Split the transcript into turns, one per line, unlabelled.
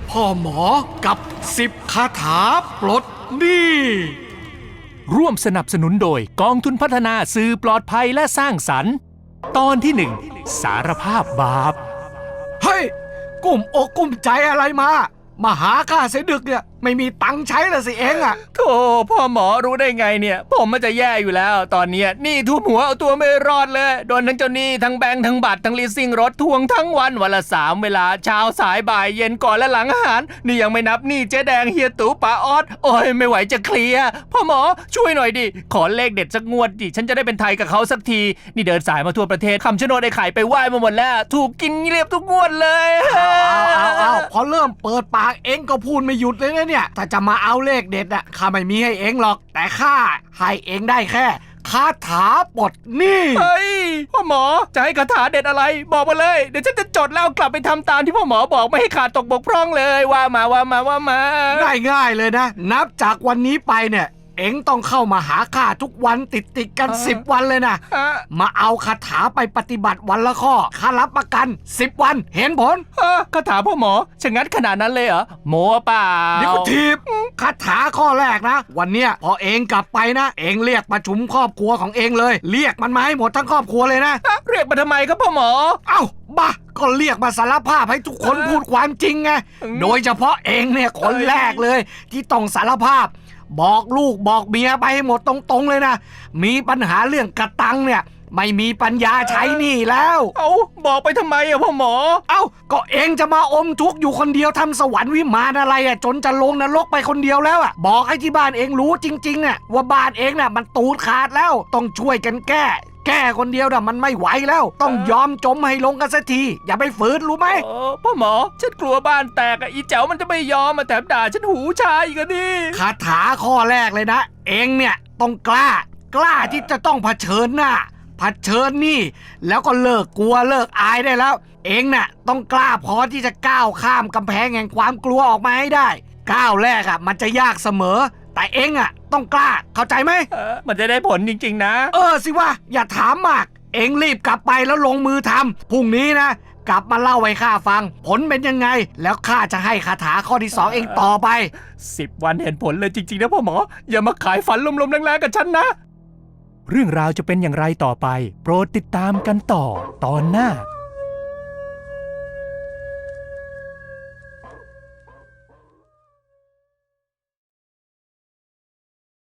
พ่อหมอกับ10คาถาปลดหนี้
ร่วมสนับสนุนโดยกองทุนพัฒนาสื่อปลอดภัยและสร้างสรรค์ตอนที่1สารภาพบาป
เฮ้ยกุ้มอกกุ้มใจอะไรมาหาข้าเสียดึกเนี่ยไม่มีตังค์ใช้ละสิเองอะ
โธ่พ่อหมอรู้ได้ไงเนี่ยผมมันจะแย่อยู่แล้วตอนเนี้ยหนี้ท่วมหัวเอาตัวไม่รอดเลยโดนทั้งเจ้าหนี้ทั้งแบงค์ทั้งบัตรทั้งลีสซิ่งรถทวงทั้งวันละ3 เวลาเช้าสายบ่ายเย็นก่อนและหลังอาหารนี่ยังไม่นับหนี้เจ๊แดงเฮียตู่ป้าออสโอ้ยไม่ไหวจะเคลียร์พ่อหมอช่วยหน่อยดิขอเลขเด็ดสักงวดดิฉันจะได้เป็นไทยกับเขาสักทีนี่เดินสายมาทั่วประเทศคำชะโนดไอ้ไข่ไปไหว้มาหมดแล้วถูกกินเรียบทุกงวดเลย
เอาพอเริ่มเปิดปากเองก็พูดไม่หยุดเลยนะเนี่ยถ้าจะมาเอาเลขเด็ดอะข้าไม่มีให้เองหรอกแต่ข้าให้เองได้แค่คาถาปลดหนี้
เฮ้ยพ่อหมอจะให้คาถาเด็ดอะไรบอกมาเลยเดี๋ยวฉันจะจดแล้วกลับไปทำตามที่พ่อหมอบอกไม่ให้ขาดตกบกพร่องเลยว่ามา
ง่ายเลยนะนับจากวันนี้ไปเนี่ยเอ็งต้องเข้ามาหาข้าทุกวันติดกัน10 วันเลยนะมาเอาคาถาไปปฏิบัติวันละข้อข้ารับประกัน10 วันเห็นผล
คาถาพ่อหมอชะงัดขนาดนั้นเลยเหรอโมเปล่า
เดี๋ยวทีบคาถาข้อแรกนะวันเนี้ยพอเอ็งกลับไปนะเอ็งเรียกประชุมครอบครัวของเอ็งเลยเรียกมันมาให้หมดทั้งครอบครัวเลยนะ
เรียกมาทำไมครับพ่อหมอ
เอ้าบ้าก็เรียกมาสารภาพให้ทุกคนพูดความจริงไงโดยเฉพาะเอ็งเนี่ยคนแรกเลยที่ต้องสารภาพบอกลูกบอกเมียไปให้หมดตรงๆเลยนะมีปัญหาเรื่องกระตังเนี่ยไม่มีปัญญาใช้หนี้แล้ว
บอกไปทำไมอะพ่อหมอ
ก็เองจะมาอมทุกข์อยู่คนเดียวทำสวรรค์วิมานอะไรอะจนจะลงนรกไปคนเดียวแล้วอะบอกให้ที่บ้านเองรู้จริงๆอะว่าบ้านเองน่ะมันตูดขาดแล้วต้องช่วยกันแก้คนเดียวน่ะมันไม่ไหวแล้วต้องยอมจมให้ลงกันสักทีอย่าไปฝืนรู้ไหม
พ่อหมอฉันกลัวบ้านแตกอีแจ๋วมันจะไม่ยอมมาแถมด่าฉันหูชาอีกดิ
คาถาข้อแรกเลยนะเองเนี่ยต้องกล้าที่จะต้องเผชิญหน้าเผชิญนี่แล้วก็เลิกกลัวเลิกอายได้แล้วเองน่ะต้องกล้าพอที่จะก้าวข้ามกำแพงแห่งความกลัวออกมาให้ได้ก้าวแรกอะมันจะยากเสมอแต่เองอะต้องกล้าเข้าใจไหม
มันจะได้ผลจริงๆนะ
สิว่าอย่าถามมากเองรีบกลับไปแล้วลงมือทำพรุ่งนี้นะกลับมาเล่าให้ข้าฟังผลเป็นยังไงแล้วข้าจะให้คาถาข้อที่2เองต่อไป
10 วันเห็นผลเลยจริงๆนะพ่อหมออย่ามาขายฝันลมๆแรงๆกับฉันนะเรื่องราวจะเป็นอย่างไรต่อไปโปรดติดตามกันต่อตอนหน้า